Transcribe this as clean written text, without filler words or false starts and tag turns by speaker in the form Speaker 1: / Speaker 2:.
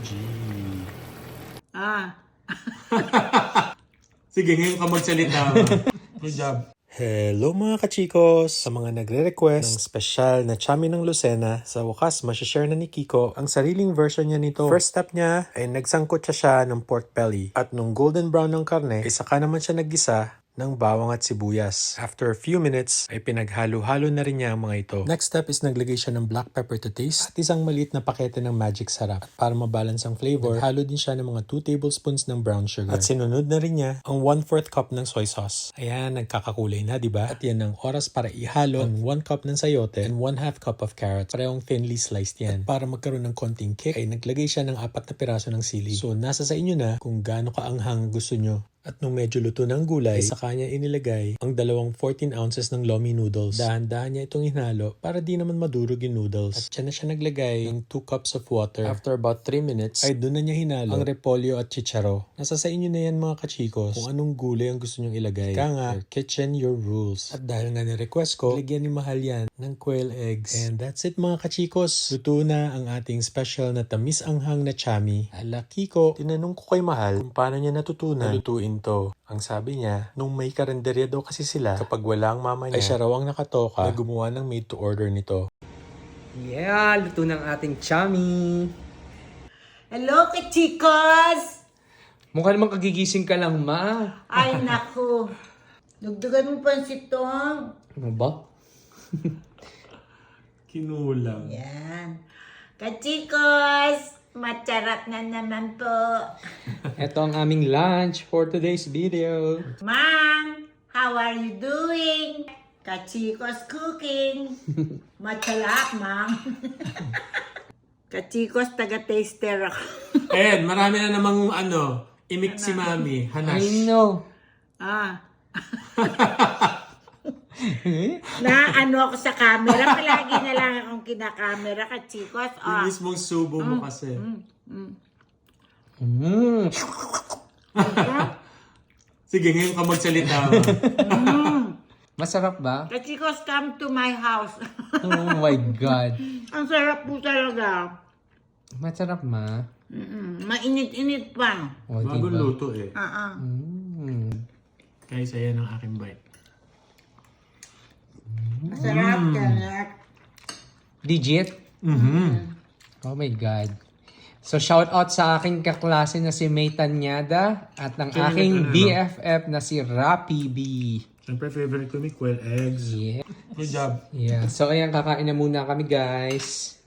Speaker 1: OMG.
Speaker 2: Ah.
Speaker 1: Sige, ngayon ka magsalita. Good job. Hello mga kachikos! Sa mga nagre-request ng special na chami ng Lucena, sa wakas masashare na ni Kiko ang sariling version niya nito. First step niya ay nagsangkot siya ng pork belly at nung golden brown ng karne, ay saka naman siya naggisa ng bawang at sibuyas. After a few minutes, ay pinaghalo-halo na rin niya ang mga ito. Next step is naglagay siya ng black pepper to taste at isang maliit na pakete ng magic sarap. At para mabalance ang flavor, naghalo din siya ng mga 2 tablespoons ng brown sugar. At sinunod na rin niya ang 1/4 cup ng soy sauce. Ayan, nagkakakulay na, diba? At yan ang oras para ihalo ang 1 cup ng sayote and 1/2 cup of carrots. Parehong thinly sliced yan. At para magkaroon ng konting kick, ay naglagay siya ng 4 na piraso ng sili. So, nasa sa inyo na kung gaano kaanghang gusto nyo. At nung medyo luto na ang gulay, ay sa kanya inilagay ang 14 ounces ng lomi noodles. Dahan-dahan niya itong hinalo para di naman madurog yung noodles. At siya na siya naglagay ng 2 cups of water. After about 3 minutes, ay doon na niya hinalo ang repolyo at chicharo. Nasa sa inyo na yan mga kachikos kung anong gulay ang gusto nyong ilagay. Kaya nga, your kitchen, your rules. At dahil nga ni-request ko, lagyan ni Mahal yan ng quail eggs. And that's it mga kachikos. Luto na ang ating special na tamis anghang na chami. Ala Kiko, tinanong ko kay Mahal kung paano niya natutunan lutuin to. Ang sabi niya, nung may karinderya daw kasi sila, kapag wala ang mama niya, ay siya raw ang nakatoka na gumawa ng made to order nito.
Speaker 3: Yeah, luto ng ating chami.
Speaker 2: Hello, kachikos!
Speaker 3: Mukha namang kagigising ka lang, ma.
Speaker 2: Ay, naku. Dugdugan mo pa si Tong.
Speaker 3: Ano ba?
Speaker 1: Kinulang.
Speaker 2: Yan. Kachikos! Macharap na naman po.
Speaker 3: Ito ang aming lunch for today's video.
Speaker 2: Mang, how are you doing? Kachikos cooking. Macharap, Mang. Kachikos, taga-taster ako.
Speaker 1: Ayan, marami na namang imik si Mami. Hanash.
Speaker 3: I know.
Speaker 2: Ah. Na ako sa camera, palagi na lang akong kinakamera, kachikos.
Speaker 1: Yung
Speaker 2: Ah.
Speaker 1: mismong subo mo kasi. Sige, ngayon ka magsalita.
Speaker 3: Masarap ba?
Speaker 2: Kachikos, come to my house.
Speaker 3: Oh my God.
Speaker 2: Ang sarap po talaga.
Speaker 3: Masarap, ma.
Speaker 2: Mainit-init pa.
Speaker 3: O,
Speaker 1: Bagong
Speaker 3: diba?
Speaker 1: luto eh. Kaysa yan ang aking bite.
Speaker 2: Masarap, sarap.
Speaker 3: Legit? Oh my God. So, shout out sa aking kaklase na si May Tanyada at ng aking BFF na si Rapi B.
Speaker 1: Siyempre, favorite ko may quail eggs.
Speaker 3: Yeah.
Speaker 1: Good job.
Speaker 3: Yeah. So, ayan, kakain na muna kami, guys.